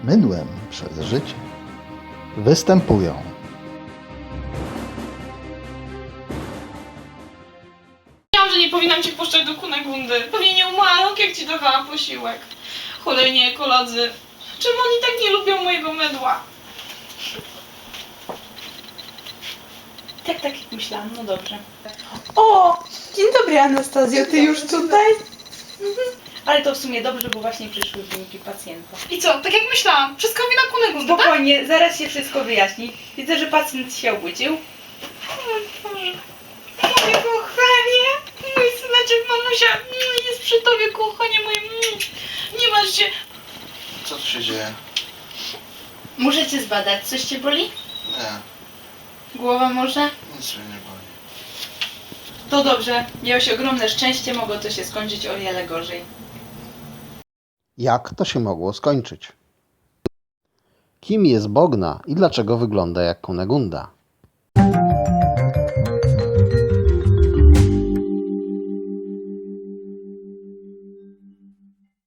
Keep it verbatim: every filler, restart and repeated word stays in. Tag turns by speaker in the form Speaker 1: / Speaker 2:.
Speaker 1: mydłem przez życie występują
Speaker 2: Wiedziałam, że nie powinnam cię wpuszczać do Kunegundy. Pewnie nie umarł, jak ci dawałam posiłek. Cholerni ekolodzy. Czemu oni tak nie lubią mojego mydła?
Speaker 3: Tak, tak jak myślałam, no dobrze. O! Dzień dobry, Anastazjo, ty już tutaj? Mhm. Ale to w sumie dobrze, bo właśnie przyszły wyniki pacjenta.
Speaker 2: I co, tak jak myślałam, wszystko wina Kunegundy, tak?
Speaker 3: Spokojnie, zaraz się wszystko wyjaśni. Widzę, że pacjent się obudził.
Speaker 2: O Boże. Moje kochanie, mój syneczek, mamusia, mm, jest przy tobie, kochanie moje, mm, nie masz się.
Speaker 4: Co tu się dzieje?
Speaker 3: Muszę cię zbadać. Coś cię boli?
Speaker 4: Nie,
Speaker 3: Głowa może?
Speaker 4: nic mnie nie boli.
Speaker 3: To dobrze. Miałeś ogromne szczęście, mogło to się skończyć o wiele gorzej.
Speaker 1: Jak to się mogło skończyć? Kim jest Bogna i dlaczego wygląda jak Kunegunda?